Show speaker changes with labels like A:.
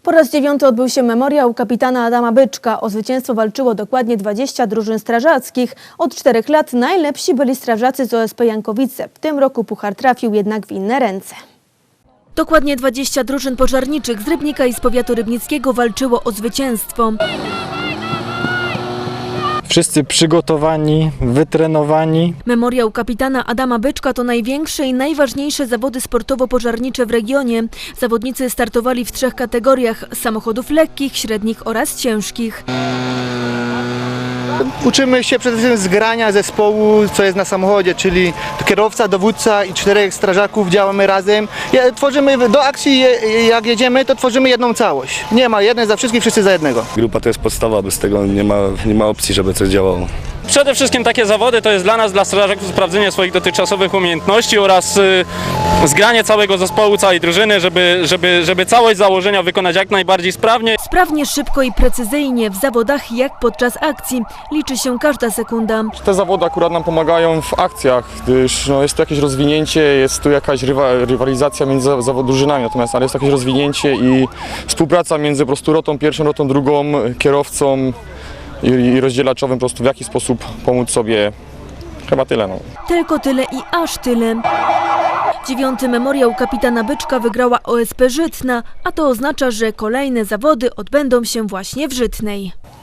A: Po raz 9 odbył się memoriał kapitana Adama Byczka. O zwycięstwo walczyło dokładnie 20 drużyn strażackich. Od 4 lat najlepsi byli strażacy z OSP Jankowice. W tym roku puchar trafił jednak w inne ręce. Dokładnie 20 drużyn pożarniczych z Rybnika i z powiatu rybnickiego walczyło o zwycięstwo.
B: Wszyscy przygotowani, wytrenowani.
A: Memoriał kapitana Adama Byczka to największe i najważniejsze zawody sportowo-pożarnicze w regionie. Zawodnicy startowali w 3 kategoriach: samochodów lekkich, średnich oraz ciężkich.
C: Uczymy się przede wszystkim zgrania zespołu, co jest na samochodzie, czyli kierowca, dowódca i 4 strażaków, działamy razem. Tworzymy do akcji, jak jedziemy, to tworzymy jedną całość. Nie ma jeden za wszystkich, wszyscy za jednego.
D: Grupa to jest podstawa, bez tego nie ma opcji, żeby coś działało.
E: Przede wszystkim takie zawody to jest dla nas, dla strażaków, sprawdzenie swoich dotychczasowych umiejętności oraz zgranie całego zespołu, całej drużyny, żeby całość założenia wykonać jak najbardziej sprawnie.
A: Sprawnie, szybko i precyzyjnie. W zawodach jak podczas akcji. Liczy się każda sekunda.
F: Te zawody akurat nam pomagają w akcjach, gdyż jest tu jakieś rozwinięcie, jest tu jakaś rywalizacja między drużynami, natomiast jest jakieś rozwinięcie i współpraca między po prostu rotą pierwszą, rotą drugą, kierowcą i rozdzielaczowym, po prostu w jaki sposób pomóc sobie. Chyba tyle.
A: Tylko tyle i aż tyle. 9. memoriał kapitana Byczka wygrała OSP Żytna, a to oznacza, że kolejne zawody odbędą się właśnie w Żytnej.